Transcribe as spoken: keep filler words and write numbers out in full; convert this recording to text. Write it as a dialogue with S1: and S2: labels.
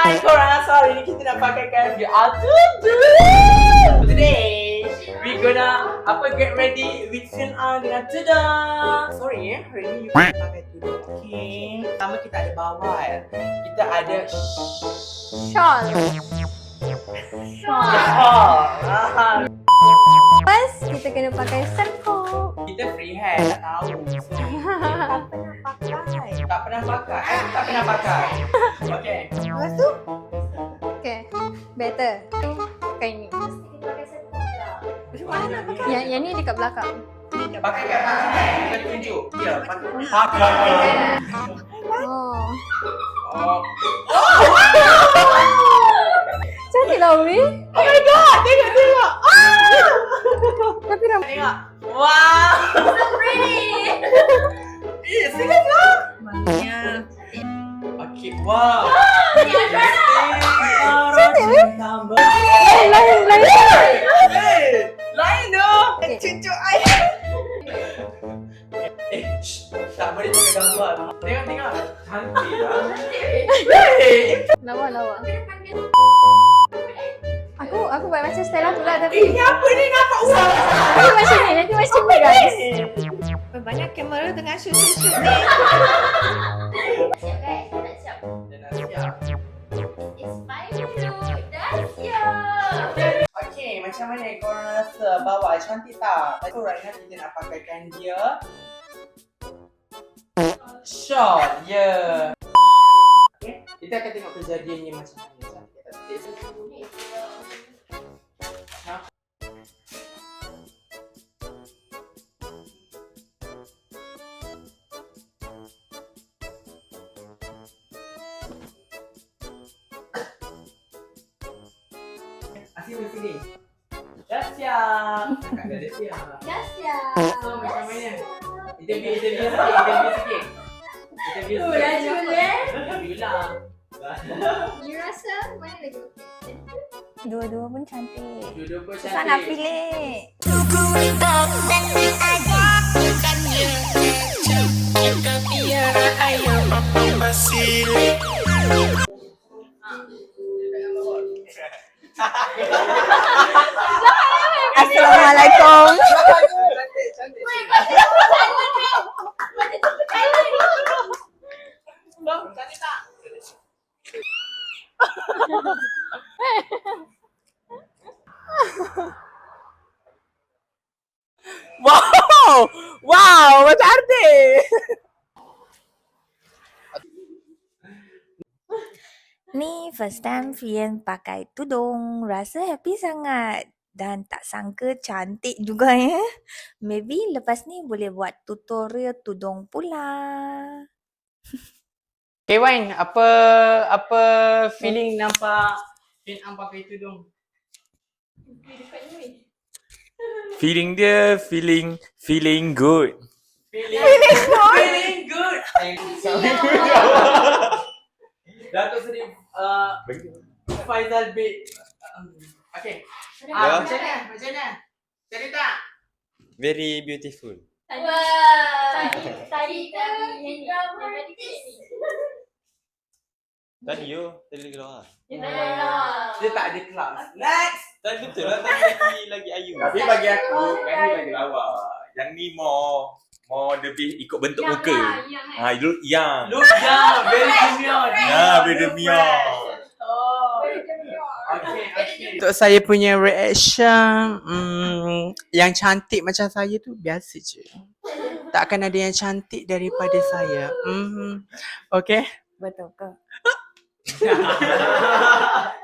S1: Hai korang, so hari ni kita nak pakaikan the Atudu. Today we gonna apa get ready with Sin A dengan tudung. Sorry eh, hari ni you kena pakai tudung. Okay. Pertama kita ada bawal. Kita ada
S2: Shawl.
S1: shawl.
S2: First, kita kena pakai serkup.
S1: Kita free hand, tak tahu. So, tak pernah pakai. Tak pernah pakai. Eh, tak pernah pakai. Okay.
S2: Lepas tu? Okay, better. Pakai ni.
S1: Macam mana nak pakai?
S2: Yang, yang ni dekat belakang.
S1: Pakai kat mana? Kita tunjuk. Ya, pakai.
S2: Oh.
S1: Oh.
S2: Cantik lah, Umi.
S1: Oh my god, tengok tengok. Ah!
S2: Tapi ram-
S1: Tengok. Wow.
S3: So pretty.
S1: Eh, serius lah. Maknya. Okay, wow.
S2: Cantik, weh.
S1: Tambah.
S2: Eh, lain, lain.
S1: Eh, lain dong.
S2: Okay.
S1: Cucuk air. Eh, shh. Tak boleh pakai gambar. Tengok tengok. Cantik lah. Eh,
S2: Lawa, lawa. Aku, aku buat macam Stella tu lah
S1: eh,
S2: tapi
S1: ni apa ni nampak uang?
S2: nanti macam ni, nanti macam ni guys.
S3: Banyak kamera tengah shoot-shoot ni. Siap guys, dah nak siap.
S1: Dah nak siap.
S3: It's five minutes. Dah siap.
S1: Okay, macam mana korang rasa bawah cantik tak? So right now kita nak pakaikan dia short, ya. Yeah. Okay, kita akan tengok kejadiannya macam mana cantik tak cantik. Ha? Asyik bersini. Dah siap. Kakak dah siap.
S3: Dah siap.
S1: So macam mana? Interview, interview sikit, interview sikit. Interview
S3: Oh,
S1: sikit.
S3: dah jual.
S1: Interview lah.
S2: You rasa mana lagi okey? Dua-dua pun cantik.
S1: Duduk pun
S2: Susah nak
S1: cantik.
S2: pilih. Assalamualaikum.
S1: Cantik, cantik. Cantik tak? Wow! Wow, macam artis.
S4: Ni first time Fian pakai tudung, rasa happy sangat. Dan tak sangka cantik juga ya. Maybe lepas ni boleh buat tutorial tudung pula.
S1: Okay Wan, apa apa feeling nampak Fin Am pakai tudung?
S5: Feeling dia feeling feeling good.
S1: Feeling, feeling good. Feeling good. Datuk Seri uh, Faizal bin um, okay. Ah, macam mana? Macam mana? Cantik tak?
S5: Very beautiful.
S3: Wah. Tadi tadi yang tadi ni.
S5: Tadi yo, tadi lagi lawa.
S1: Dia tak ada kelas. Next.
S5: Tadi betul lah, tadi lagi lagi ayu. Tapi bagi aku, yang ni lagi lawa. Yang ni more more lebih ikut bentuk muka. Ha, look young.
S1: Look young, very demure.
S5: Ya, very demure.
S1: Oh. Okay, okay. Untuk saya punya reaction, hmm, yang cantik macam saya tu biasa je. Takkan ada yang cantik daripada saya. Hmm. Okay.
S4: Betul ke?